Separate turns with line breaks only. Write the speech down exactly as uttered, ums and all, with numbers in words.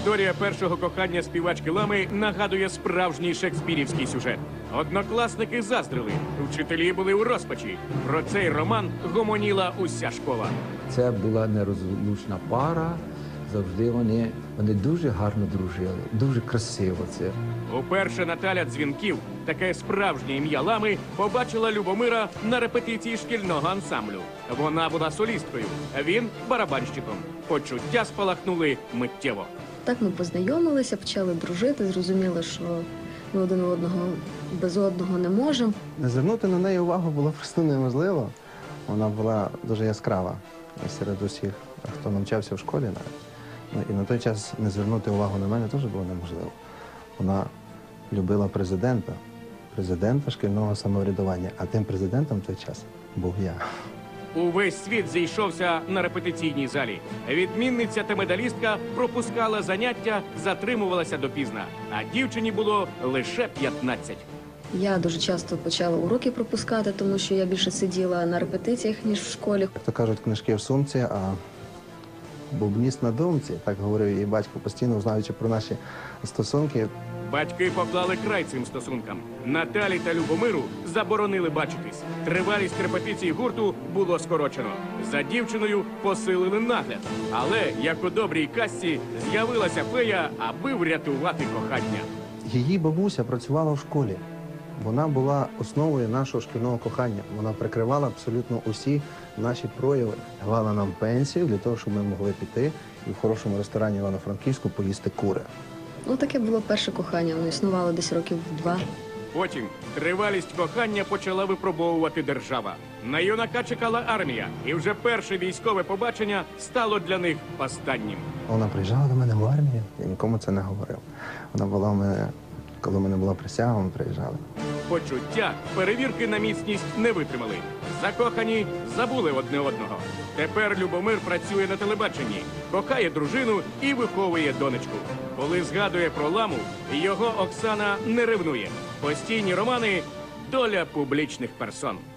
Історія першого кохання співачки Лами нагадує справжній шекспірівський сюжет. Однокласники заздрили, вчителі були у розпачі. Про цей роман гомоніла уся школа.
Це була нерозлучна пара. Завжди вони, вони дуже гарно дружили, дуже красиво це.
Уперше Наталя Дзвінків, таке справжнє ім'я Лами, побачила Любомира на репетиції шкільного ансамблю. Вона була солісткою, а він – барабанщиком. Почуття спалахнули миттєво.
Так ми познайомилися, почали дружити, зрозуміли, що ми один одного без одного не можемо.
Не звернути на неї увагу було просто неможливо. Вона була дуже яскрава серед усіх, хто навчався в школі навіть. Ну, і на той час не звернути увагу на мене теж було неможливо. Вона любила президента, президента шкільного самоврядування, а тим президентом в той час був я.
Увесь світ зійшовся на репетиційній залі. Відмінниця та медалістка пропускала заняття, затримувалася допізна. А дівчині було лише п'ятнадцять.
Я дуже часто почала уроки пропускати, тому що я більше сиділа на репетиціях, ніж в школі.
Як то кажуть, книжки в сумці, а бубніст на думці. Так говорив її батько постійно, знаючи про наші стосунки.
Батьки поклали край цим стосункам. Наталі та Любомиру заборонили бачитись. Тривалість репетицій гурту було скорочено. За дівчиною посилили нагляд. Але, як у добрій казці, з'явилася фея, аби врятувати кохання.
Її бабуся працювала в школі. Вона була основою нашого шкільного кохання. Вона прикривала абсолютно усі наші прояви. Давала нам пенсію для того, щоб ми могли піти і в хорошому ресторані Івано-Франківську поїсти кури.
Ну, таке було перше кохання, воно існувало десь років два.
Потім тривалість кохання почала випробовувати держава. На юнака чекала армія, і вже перше військове побачення стало для них останнім.
Вона приїжджала до мене в армію, я нікому це не говорив. Вона була в мене, коли в мене була присяга, ми приїжджали.
Почуття перевірки на міцність не витримали. Закохані забули одне одного. Тепер Любомир працює на телебаченні, кохає дружину і виховує донечку. Коли згадує про Ламу, його Оксана не ревнує. Постійні романи – доля публічних персон.